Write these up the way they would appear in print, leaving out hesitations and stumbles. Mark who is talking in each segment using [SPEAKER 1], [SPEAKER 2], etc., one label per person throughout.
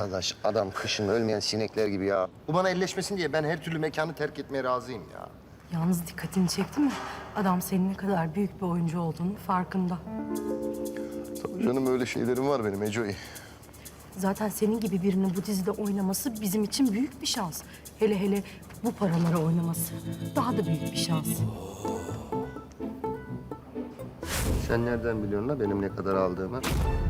[SPEAKER 1] Arkadaş adam kışın ölmeyen sinekler gibi ya. Bu bana elleşmesin diye ben her türlü mekanı terk etmeye razıyım ya.
[SPEAKER 2] Yalnız dikkatini çekti mi? Adam senin ne kadar büyük bir oyuncu olduğunu farkında.
[SPEAKER 1] Tabii canım öyle şeylerim var benim Eco'yu.
[SPEAKER 2] Zaten senin gibi birinin bu dizide oynaması bizim için büyük bir şans. Hele hele bu paralara oynaması daha da büyük bir şans.
[SPEAKER 1] Sen nereden biliyorsun la benim ne kadar aldığımı?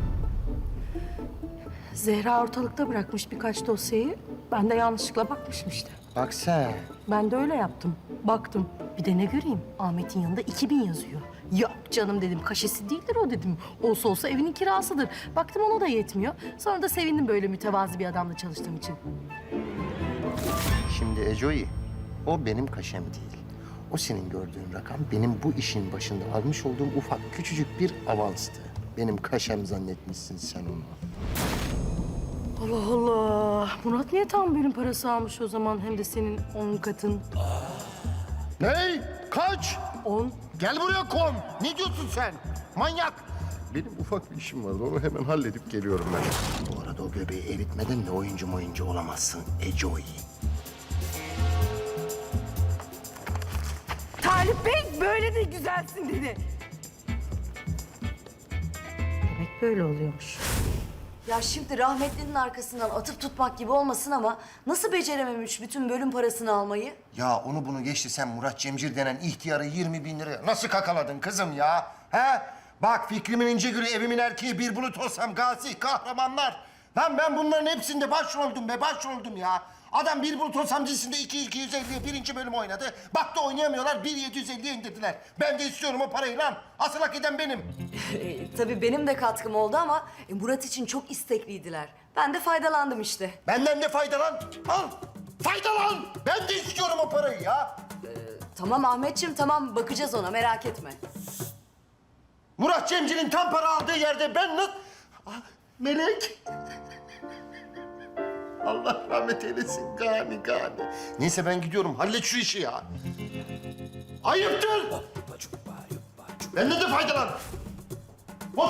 [SPEAKER 2] Zehra ortalıkta bırakmış birkaç dosyayı. Ben de yanlışlıkla bakmışım işte.
[SPEAKER 1] Bak sen.
[SPEAKER 2] Ben de öyle yaptım. Baktım. Bir de ne göreyim? Ahmet'in yanında 2000 yazıyor. Yok canım dedim. Kaşesi değildir o dedim. Olsa olsa evinin kirasıdır. Baktım ona da yetmiyor. Sonra da sevindim böyle mütevazi bir adamla çalıştığım için.
[SPEAKER 1] Şimdi Eco'yu o benim kaşem değil. O senin gördüğün rakam benim bu işin başında almış olduğum ufak küçücük bir avanstı. Benim kaşem zannetmişsin sen onu.
[SPEAKER 2] Allah Allah. Murat niye tam bölüm parası almış o zaman? Hem de senin 10 katın.
[SPEAKER 1] Ney? Kaç?
[SPEAKER 2] 10.
[SPEAKER 1] Gel buraya kon. Ne diyorsun sen? Manyak. Benim ufak bir işim vardı. Onu hemen halledip geliyorum ben. Bu arada o göbeği eritmeden de oyuncu olamazsın Eco'yu.
[SPEAKER 2] Talip Bey böyle de güzelsin dedi. Demek böyle oluyormuş.
[SPEAKER 3] Ya şimdi rahmetlinin arkasından atıp tutmak gibi olmasın ama nasıl becerememiş bütün bölüm parasını almayı?
[SPEAKER 1] Ya onu bunu geçti sen Murat Cemcir denen ihtiyarı 20.000 liraya nasıl kakaladın kızım ya? He? Bak fikrimin ince gülü evimin erkeği bir bulut olsam gazi kahramanlar. Lan ben bunların hepsinde başroldüm be başroldüm ya. Adam bir bulut olsam dizisinde 2.250'ye birinci bölüm oynadı. Baktı oynayamıyorlar 1.750'ye indirdiler. Ben de istiyorum o parayı lan. Asıl hak eden benim.
[SPEAKER 3] Tabii benim de katkım oldu ama Murat için çok istekliydiler. Ben de faydalandım işte.
[SPEAKER 1] Benden de faydalan. Al. Faydalan. Ben de istiyorum o parayı ya.
[SPEAKER 3] Tamam Ahmetciğim tamam bakacağız ona merak etme.
[SPEAKER 1] Murat Cemcir'in tam para aldığı yerde ben nasıl... Ah, Melek. Allah rahmet eylesin gani. Neyse ben gidiyorum. Hallet şu işi ya. Ayıptır. Benden de faydalan. Boş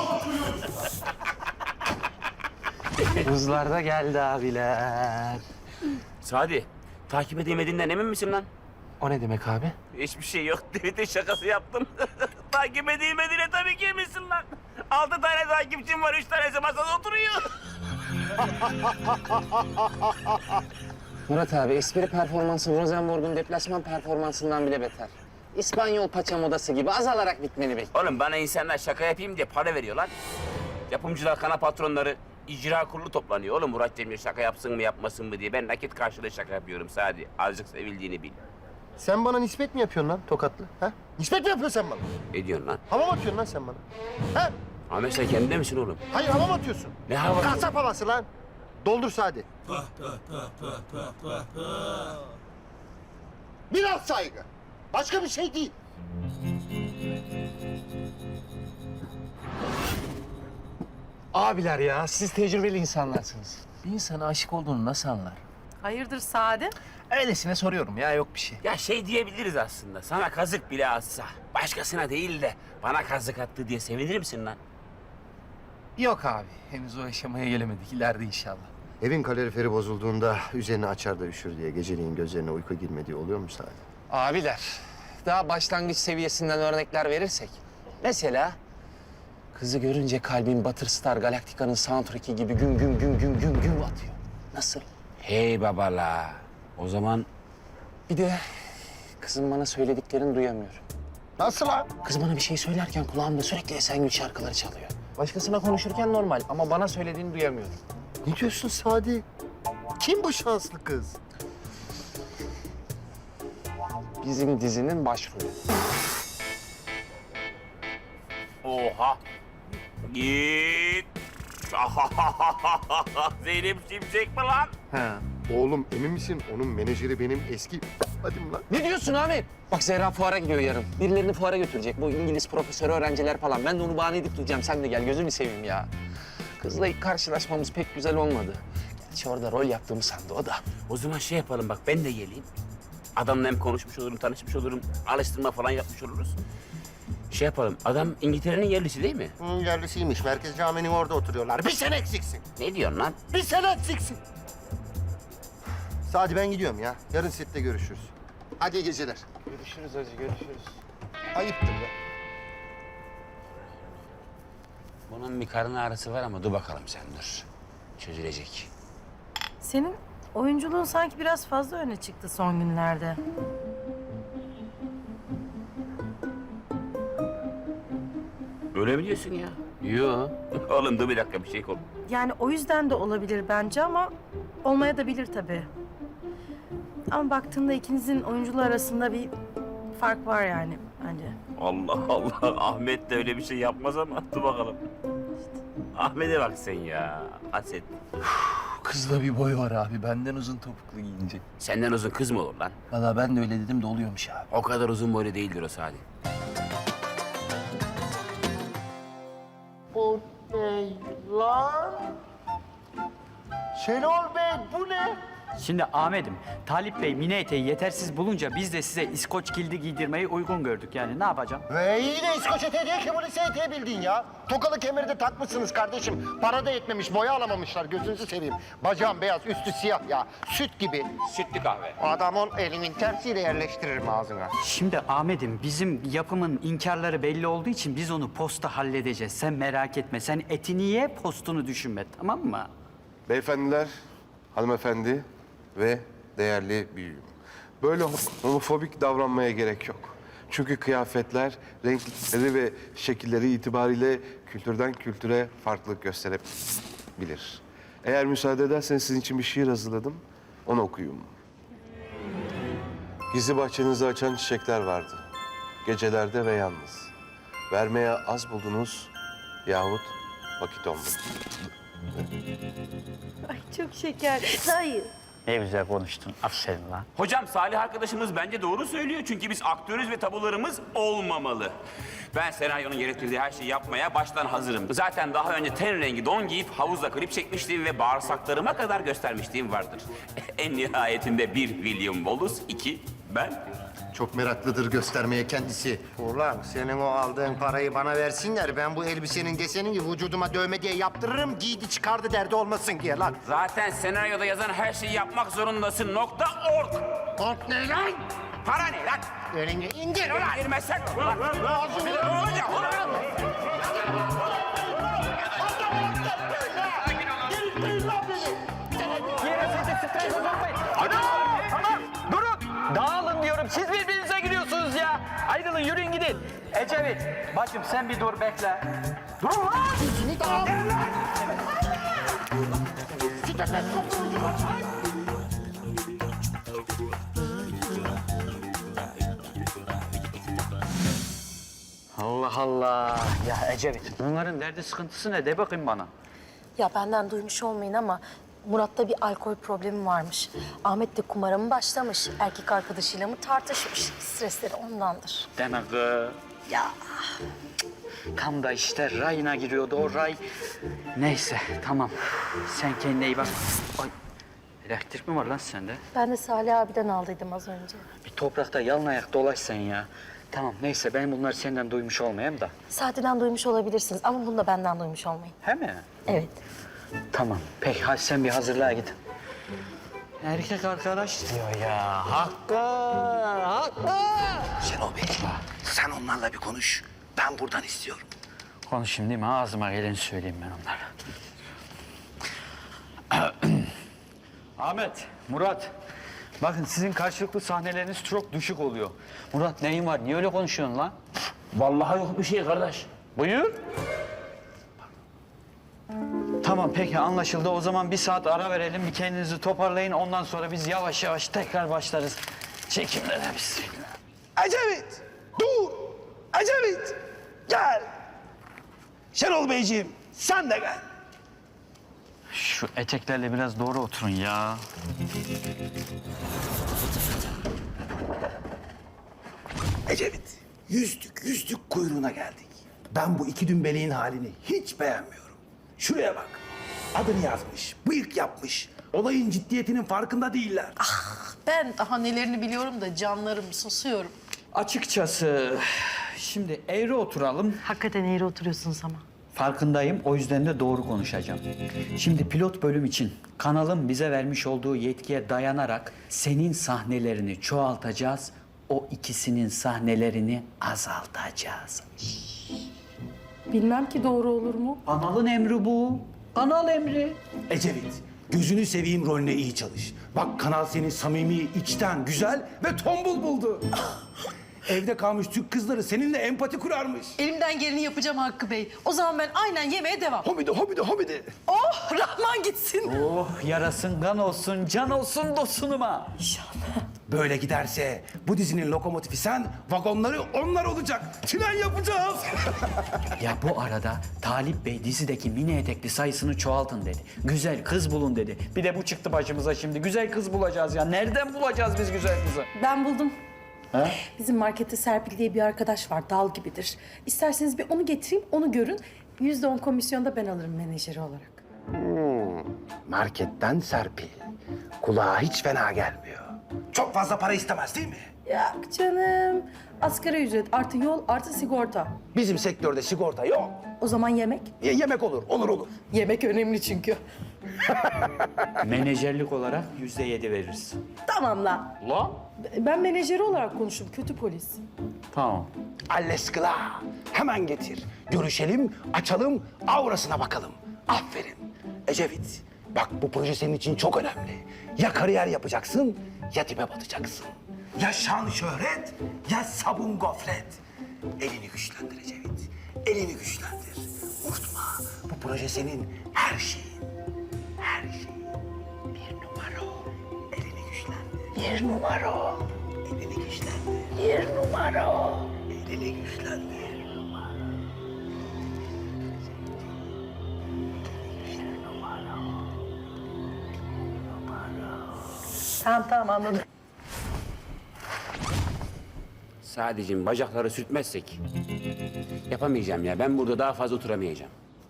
[SPEAKER 4] Buzlar da geldi abiler.
[SPEAKER 5] Sadi, takip edemediğinden emin misin lan?
[SPEAKER 4] O ne demek abi?
[SPEAKER 5] Hiçbir şey yok. Tweet'in şakası yaptım. Takip edilmediğine tabii ki eminsin lan. 6 tane takipçim var, 3 tanesi masada oturuyor.
[SPEAKER 4] Murat abi espri performansı Rosenborg'un deplasman performansından bile beter. İspanyol paça modası gibi azalarak bitmeni bekliyor.
[SPEAKER 5] Oğlum bana insanlar şaka yapayım diye para veriyor lan. Yapımcılar, kanal patronları, icra kurulu toplanıyor. Oğlum Murat Cemil şaka yapsın mı yapmasın mı diye. Ben nakit karşılığı şaka yapıyorum Sadi. Azıcık sevildiğini bil.
[SPEAKER 1] Sen bana nispet mi yapıyorsun lan Tokatlı? Ha? Nispet mi yapıyorsun sen bana?
[SPEAKER 5] Ne diyorsun lan?
[SPEAKER 1] Hava mı atıyorsun lan sen bana? Ha?
[SPEAKER 5] Ahmet sen kendinde misin oğlum?
[SPEAKER 1] Hayır hava mı atıyorsun?
[SPEAKER 5] Ne havası?
[SPEAKER 1] Kasap havası lan. Doldur Sadi. Biraz saygı. Başka bir şey değil.
[SPEAKER 4] Abiler ya siz tecrübeli insanlarsınız. Bir insana aşık olduğunu nasıl anlar?
[SPEAKER 2] Hayırdır Sade?
[SPEAKER 4] Öylesine soruyorum ya yok bir şey.
[SPEAKER 5] Ya şey diyebiliriz aslında. Sana kazık bile atsa, başkasına değil de bana kazık attı diye sevinir misin lan?
[SPEAKER 4] Yok abi henüz o aşamaya gelemedik ileride inşallah.
[SPEAKER 1] Evin kaloriferi bozulduğunda üzerine açar da üşür diye geceliğin gözlerine uyku girmediği oluyor mu Sadi?
[SPEAKER 4] Abiler daha başlangıç seviyesinden örnekler verirsek. Mesela kızı görünce kalbin Battlestar Galactica'nın soundtrack'i gibi güm güm güm güm güm güm atıyor. Nasıl?
[SPEAKER 5] Hey babala. O zaman
[SPEAKER 4] Bir de kızım bana söylediklerini duyamıyorum.
[SPEAKER 1] Nasıl lan?
[SPEAKER 4] Kız bana bir şey söylerken kulağımda sürekli Esengül şarkıları çalıyor. Başkasına konuşurken normal ama bana söylediğini duyamıyorum.
[SPEAKER 1] Ne diyorsun Sadi? Kim bu şanslı kız?
[SPEAKER 4] Bizim dizinin başrolü.
[SPEAKER 5] oha. Git. Zeynep Şimşek mi lan?
[SPEAKER 4] Ha.
[SPEAKER 1] Oğlum emin misin? Onun menajeri benim eski... Hadi mi lan?
[SPEAKER 4] Ne diyorsun Ahmet? Bak Zehra fuara gidiyor yarın. Birilerini fuara götürecek. Bu İngiliz profesörü öğrenciler falan. Ben de onu bahane edip duracağım. Sen de gel gözünü seveyim ya. Kızla ilk karşılaşmamız pek güzel olmadı. Gerçi orada rol yaptığımı sandı o da.
[SPEAKER 5] O zaman şey yapalım bak ben de geleyim. Adamla hem konuşmuş olurum, tanışmış olurum. Alıştırma falan yapmış oluruz. Şey yapalım, adam İngiltere'nin yerlisi değil mi?
[SPEAKER 1] Yerlisiymiş. Merkez Camii'nin orada oturuyorlar. Bir sen eksiksin.
[SPEAKER 5] Ne diyorsun lan?
[SPEAKER 1] Bir sen eksiksin. Sadi ben gidiyorum ya. Yarın sette görüşürüz. Hadi iyi geceler.
[SPEAKER 4] Görüşürüz hacı, görüşürüz.
[SPEAKER 1] Ayıptır be.
[SPEAKER 5] Bunun bir karın ağrısı var ama dur bakalım sen dur. Çözülecek.
[SPEAKER 2] Senin oyunculuğun sanki biraz fazla öne çıktı son günlerde.
[SPEAKER 5] Öyle mi diyorsun ya? Yo. Oğlum dur bir dakika bir şey kol.
[SPEAKER 2] Yani o yüzden de olabilir bence ama olmaya da bilir tabii. Ama baktığında ikinizin oyunculuğu arasında bir fark var yani bence.
[SPEAKER 5] Allah Allah. Ahmet de öyle bir şey yapmaz ama dur bakalım. Ahmet'e bak sen ya. Haset.
[SPEAKER 4] Kızda bir boy var abi. Benden uzun topuklu giyince.
[SPEAKER 5] Senden uzun kız mı olur lan?
[SPEAKER 4] Valla ben de öyle dedim de oluyormuş abi.
[SPEAKER 5] O kadar uzun boylu değildir o Sadi.
[SPEAKER 1] O ne lan? Şenol Bey bu ne?
[SPEAKER 6] Şimdi Ahmet'im, Talip Bey mini eteği yetersiz bulunca biz de size İskoç kildi giydirmeyi uygun gördük. Yani ne yapacağım?
[SPEAKER 1] Ve iyi de İskoç eteği değil ki bu lise eteği bildiğin ya. Tokalı kemeri de takmışsınız kardeşim. Para da yetmemiş, boya alamamışlar. Gözünüzü seveyim. Bacağım beyaz, üstü siyah ya. Süt gibi.
[SPEAKER 5] Sütlü kahve.
[SPEAKER 1] Adamın elimin tersiyle yerleştiririm ağzına.
[SPEAKER 6] Şimdi Ahmet'im, bizim yapımın inkarları belli olduğu için biz onu posta halledeceğiz. Sen merak etme. Sen etini ye, postunu düşünme. Tamam mı?
[SPEAKER 7] Beyefendiler, hanımefendi ve değerli büyüğüm. Böyle homofobik davranmaya gerek yok. Çünkü kıyafetler, renkleri ve şekilleri itibariyle kültürden kültüre farklılık gösterebilir. Eğer müsaade ederseniz sizin için bir şiir hazırladım. Onu okuyayım. Gizli bahçenizi açan çiçekler vardı. Gecelerde ve yalnız. Vermeye az buldunuz yahut vakit olmadı.
[SPEAKER 2] Ay çok şeker. Hayır.
[SPEAKER 6] Ne güzel konuştun. Aferin lan.
[SPEAKER 5] Hocam Salih arkadaşımız bence doğru söylüyor. Çünkü biz aktörüz ve tabularımız olmamalı. Ben senaryonun gerektirdiği her şeyi yapmaya baştan hazırım. Zaten daha önce ten rengi don giyip havuzda klip çekmişliğim ve bağırsaklarıma kadar göstermişliğim vardır. En nihayetinde bir William Wallace, iki ben.
[SPEAKER 1] Çok meraklıdır göstermeye kendisi. Ulan senin o aldığın parayı bana versinler. Ben bu elbisenin desenini vücuduma dövme diye yaptırırım. Giydi çıkardı derdi olmasın diye lan.
[SPEAKER 5] Zaten senaryoda yazan her şeyi yapmak zorundasın. .org.
[SPEAKER 1] Kork ne lan?
[SPEAKER 5] Para ne lan?
[SPEAKER 1] Elini indir ulan.
[SPEAKER 5] Girmezsek. Ulan. Hocam.
[SPEAKER 6] Durun! Dağılın diyorum. Siz birbirinize giriyorsunuz ya. Ayrılın, yürüyün gidin. Ecevit, bacım sen bir dur bekle. Durun lan! Allah Allah. Ya Ecevit, bunların derdi sıkıntısı ne? De bakayım bana.
[SPEAKER 2] Ya benden duymuş olmayın ama Murat'ta bir alkol problemi varmış. Ahmet de kumara mı başlamış, erkek arkadaşıyla mı tartışmış. Stresleri ondandır.
[SPEAKER 6] Demek ya tam da işte rayına giriyordu o ray. Neyse tamam. Sen kendine iyi bak. Ay elektrik mi var lan sende?
[SPEAKER 2] Ben de Salih abiden aldıydım az önce.
[SPEAKER 6] Bir toprakta yalın ayak dolaş sen ya. Tamam neyse ben bunları senden duymuş olmayayım da.
[SPEAKER 2] Saatiden duymuş olabilirsiniz ama bunu da benden duymuş olmayın.
[SPEAKER 6] He mi?
[SPEAKER 2] Evet.
[SPEAKER 6] Tamam. Peki hadi sen bir hazırlığa git. Erkek arkadaş diyor ya. Hakkı, Hakkı.
[SPEAKER 8] Şenol Bey, sen onlarla bir konuş. Ben buradan istiyorum.
[SPEAKER 6] Konuşayım değil mi? Ağzıma geleni söyleyeyim ben onlara. Ahmet, Murat. Bakın sizin karşılıklı sahneleriniz çok düşük oluyor. Murat neyin var? Niye öyle konuşuyorsun lan?
[SPEAKER 5] Vallahi yok bir şey kardeş.
[SPEAKER 6] Buyur. Tamam peki anlaşıldı. O zaman bir saat ara verelim. Bir kendinizi toparlayın. Ondan sonra biz yavaş yavaş tekrar başlarız. Çekimlere bismillah.
[SPEAKER 8] Ecevit, dur! Ecevit, gel! Şenol Beyciğim, sen de gel.
[SPEAKER 6] Şu eteklerle biraz doğru oturun ya.
[SPEAKER 8] Ecevit, yüzdük kuyruğuna geldik. Ben bu iki dümbeleğin halini hiç beğenmiyorum. Şuraya bak. Adını yazmış, bıyık yapmış. Olayın ciddiyetinin farkında değiller.
[SPEAKER 9] Ben daha nelerini biliyorum da canlarım susuyorum.
[SPEAKER 6] Açıkçası Şimdi eğri oturalım.
[SPEAKER 2] Hakikaten eğri oturuyorsunuz ama.
[SPEAKER 6] Farkındayım, o yüzden de doğru konuşacağım. Şimdi pilot bölüm için kanalın bize vermiş olduğu yetkiye dayanarak senin sahnelerini çoğaltacağız. O ikisinin sahnelerini azaltacağız.
[SPEAKER 2] Bilmem ki doğru olur mu?
[SPEAKER 6] Kanalın emri bu. Kanal emri.
[SPEAKER 8] Ecevit, gözünü seveyim rolüne iyi çalış. Bak kanal seni samimi, içten, güzel ve tombul buldu. Evde kalmış Türk kızları seninle empati kurarmış.
[SPEAKER 2] Elimden geleni yapacağım Hakkı Bey. O zaman ben aynen yemeğe devam.
[SPEAKER 8] Hobidi.
[SPEAKER 2] Oh, Rahman gitsin.
[SPEAKER 6] Oh, yarasın, kan olsun, can olsun dosunuma.
[SPEAKER 8] Böyle giderse bu dizinin lokomotifi sen, vagonları onlar olacak. Tren yapacağız.
[SPEAKER 6] Ya bu arada Talip Bey dizideki mini etekli sayısını çoğaltın dedi. Güzel kız bulun dedi. Bir de bu çıktı başımıza şimdi. Güzel kız bulacağız ya. Nereden bulacağız biz güzel kızı?
[SPEAKER 2] Ben buldum. Bizim markette Serpil diye bir arkadaş var, dal gibidir. İsterseniz bir onu getireyim, onu görün. %10 komisyonda ben alırım menajeri olarak.
[SPEAKER 8] Marketten Serpil. Kulağa hiç fena gelmiyor. Çok fazla para istemez değil mi?
[SPEAKER 2] Yok canım. Asgari ücret artı yol artı sigorta.
[SPEAKER 8] Bizim sektörde sigorta yok.
[SPEAKER 2] O zaman yemek?
[SPEAKER 8] Yemek olur.
[SPEAKER 2] Yemek önemli çünkü.
[SPEAKER 6] Menajerlik olarak %7 veririz.
[SPEAKER 2] Tamam lan.
[SPEAKER 6] Ulan?
[SPEAKER 2] Ben menajeri olarak konuştum, kötü polis.
[SPEAKER 6] Tamam.
[SPEAKER 8] Alleskla. Hemen getir. Görüşelim, açalım, aurasına bakalım. Aferin. Ecevit, bak bu proje senin için çok önemli. Ya kariyer yapacaksın, ya dibe batacaksın. Ya şan şöhret, ya sabun gofret. Elini güçlendir Ecevit. Elini güçlendir. Unutma, bu proje senin her şeyin. Her şeyin. Bir numara ol. Elini güçlendir. Bir numara ol. Elini güçlendir. Bir numara ol. Elini güçlendir.
[SPEAKER 2] Tamam anladım.
[SPEAKER 5] Sadece bacakları sürtmezsek yapamayacağım ya. Ben burada daha fazla oturamayacağım.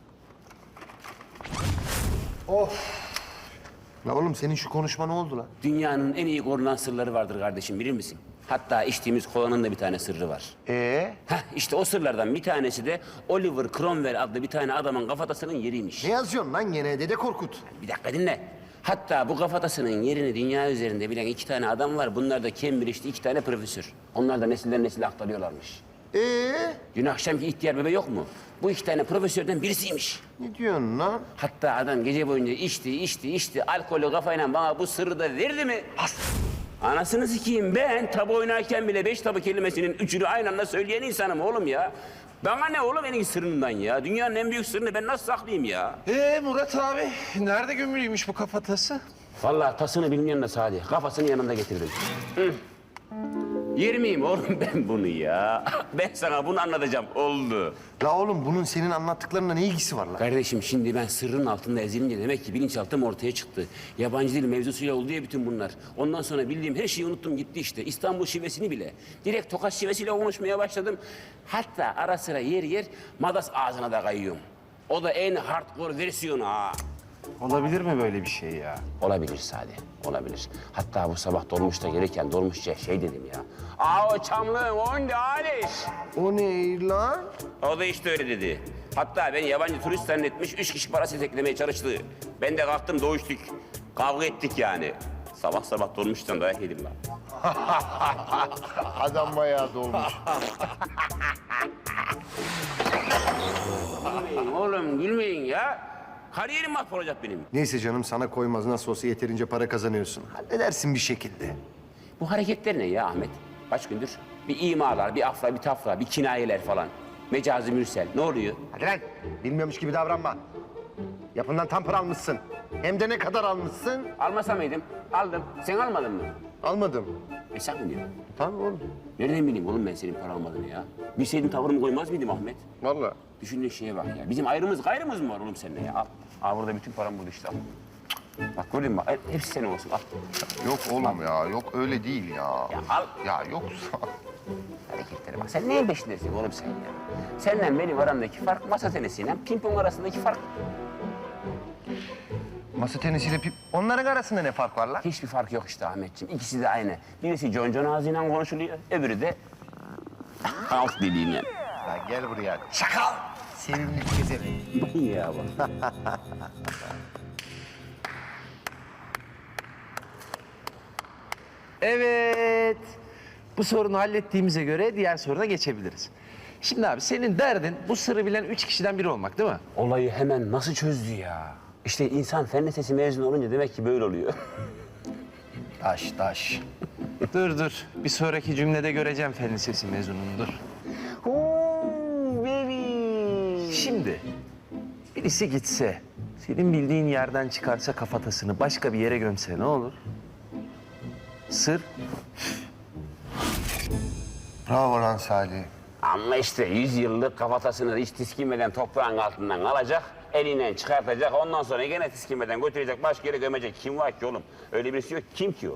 [SPEAKER 1] La oğlum senin şu konuşma ne oldu lan?
[SPEAKER 5] Dünyanın en iyi korunan sırları vardır kardeşim, bilir misin? Hatta içtiğimiz kolanın da bir tane sırrı var. Heh, işte o sırlardan bir tanesi de Oliver Cromwell adlı bir tane adamın kafatasının yeriymiş.
[SPEAKER 1] Ne yazıyorsun lan gene Dede Korkut?
[SPEAKER 5] Bir dakika dinle. Hatta bu kafatasının yerini dünya üzerinde bilen 2 tane adam var. Bunlar da Cambridge'de 2 tane profesör. Onlar da nesilden nesile aktarıyorlarmış. Dün akşamki ihtiyar bebe yok mu? Bu 2 tane profesörden birisiymiş.
[SPEAKER 1] Ne diyorsun lan?
[SPEAKER 5] Hatta adam gece boyunca içti. Alkolü kafayla bana bu sırrı da verdi mi? Anasını sikeyim, ben tabu oynarken bile 5 tabu kelimesinin 3'ünü aynı anda söyleyen insanım oğlum ya. Bana ne oğlum en sırrından ya? Dünyanın en büyük sırrını ben nasıl saklayayım ya?
[SPEAKER 7] Murat abi, nerede gömülüymüş bu kafatası?
[SPEAKER 5] Vallahi tasını bilmeyen de Sadi. Kafasını yanında getirdim. Hı. Yer miyim oğlum ben bunu ya? Ben sana bunu anlatacağım. Oldu.
[SPEAKER 1] La oğlum bunun senin anlattıklarına ne ilgisi var lan?
[SPEAKER 5] Kardeşim şimdi ben sırrın altında ezilince demek ki bilinçaltım ortaya çıktı. Yabancı dil mevzusuyla oldu ya bütün bunlar. Ondan sonra bildiğim her şeyi unuttum gitti işte. İstanbul şivesini bile. Direkt Tokat şivesiyle konuşmaya başladım. Hatta ara sıra yer Madas ağzına da kayıyorum. O da en hardcore versiyonu ha.
[SPEAKER 7] Olabilir mi böyle bir şey ya?
[SPEAKER 5] Olabilir Sadi, olabilir. Hatta bu sabah dolmuşta gelirken dolmuşça şey dedim ya. Aa o çamlığın onde Aliş.
[SPEAKER 1] O ne lan?
[SPEAKER 5] O da işte öyle dedi. Hatta ben yabancı turist zannetmiş, 3 kişi parası teklemeye çalıştı. Ben de kalktım doğuştuk. Kavga ettik yani. Sabah sabah dolmuştan dayak yedim lan.
[SPEAKER 1] Adam bayağı dolmuş.
[SPEAKER 5] Gülmeyin oğlum, gülmeyin ya. Kariyerim mahvolacak benim.
[SPEAKER 1] Neyse canım sana koymaz nasıl olsa yeterince para kazanıyorsun. Halledersin bir şekilde.
[SPEAKER 5] Bu hareketler ne ya Ahmet? Kaç gündür? Bir imalar, bir afra, bir tafra, bir kinayeler falan. Mecazi mürsel. Ne oluyor?
[SPEAKER 1] Hadi lan bilmiyormuş gibi davranma. Yapından tam para almışsın. Hem de ne kadar almışsın?
[SPEAKER 5] Almasa mıydım? Aldım. Sen almadın mı?
[SPEAKER 1] Almadım.
[SPEAKER 5] Sen mi diyorsun?
[SPEAKER 1] Tamam oğlum.
[SPEAKER 5] Nereden bileyim oğlum ben senin para almadığını ya? Bilseydin tavırımı koymaz mıydım Ahmet?
[SPEAKER 1] Vallahi.
[SPEAKER 5] Düşündüğün şeye bak ya. Bizim ayrımız gayrımız mı var oğlum seninle ya? Al. Al burada bütün param burada işte al. Bak gördün mü bak hepsi senin olsun al.
[SPEAKER 1] Yok oğlum ya yok öyle değil ya.
[SPEAKER 5] Ya al.
[SPEAKER 1] Ya yoksa.
[SPEAKER 5] Hareketlere bak. Sen neyin peşindesin oğlum sen ya? Seninle benim aramdaki fark masa tenisiyle pimpon arasındaki fark.
[SPEAKER 1] Masa tenisiyle onların arasında ne fark var lan?
[SPEAKER 5] Hiçbir fark yok işte Ahmetciğim. İkisi de aynı. Birisi John ağzıyla konuşuluyor, öbürü de Alt deliğine.
[SPEAKER 1] Lan gel buraya. Çakal. Sevimli gezemek.
[SPEAKER 5] Ya bak.
[SPEAKER 4] Evet. Bu sorunu hallettiğimize göre diğer soruna geçebiliriz. Şimdi abi senin derdin bu sırrı bilen 3 kişiden biri olmak değil mi?
[SPEAKER 5] Olayı hemen nasıl çözdü ya? İşte insan fen lisesi mezunu olunca demek ki böyle oluyor.
[SPEAKER 1] Taş.
[SPEAKER 4] Dur. Bir sonraki cümlede göreceğim fen lisesi mezununu dur. Şimdi birisi gitse, senin bildiğin yerden çıkarsa kafatasını başka bir yere gömse ne olur? Sır
[SPEAKER 1] Bravo lan Salih.
[SPEAKER 5] Ama işte 100 yıllık kafatasını hiç tiskinmeden toprağın altından alacak, elinden çıkartacak, ondan sonra gene tiskinmeden götürecek, başka yere gömecek. Kim var ki oğlum? Öyle birisi yok. Kim ki o?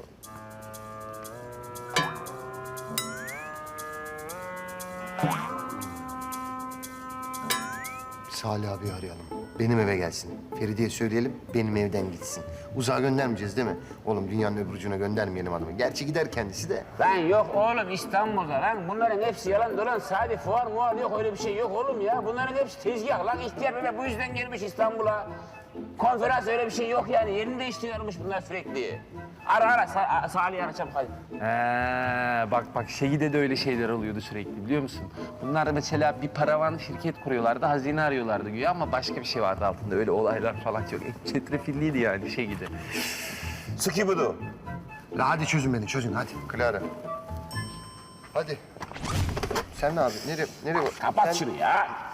[SPEAKER 1] Salih abi arayalım. Benim eve gelsin. Feride'ye söyleyelim, benim evden gitsin. Uzağa göndermeyeceğiz değil mi? Oğlum dünyanın öbür ucuna göndermeyelim adamı. Gerçi gider kendisi de.
[SPEAKER 5] Lan yok oğlum İstanbul'da lan. Bunların hepsi yalan dolan. Sadece fuar muar yok, öyle bir şey yok oğlum ya. Bunların hepsi tezgah lan. İhtiyar bebe bu yüzden gelmiş İstanbul'a. Konferans öyle bir şey yok yani. Yerini değiştiriyormuş bunlar sürekli. Ara Salih'i ara çabuk hadi.
[SPEAKER 4] Bak Şehide de öyle şeyler oluyordu sürekli biliyor musun? Bunlar mesela bir paravan şirket kuruyorlardı, hazine arıyorlardı güya ama başka bir şey vardı altında. Öyle olaylar falan çok çetrefilliydi yani Şehide.
[SPEAKER 5] Skibudu.
[SPEAKER 1] La hadi çözün beni, çözün hadi. Clara. Hadi. Sen ne abi? Nereye?
[SPEAKER 5] Kapat
[SPEAKER 1] Sen-
[SPEAKER 5] şunu ya.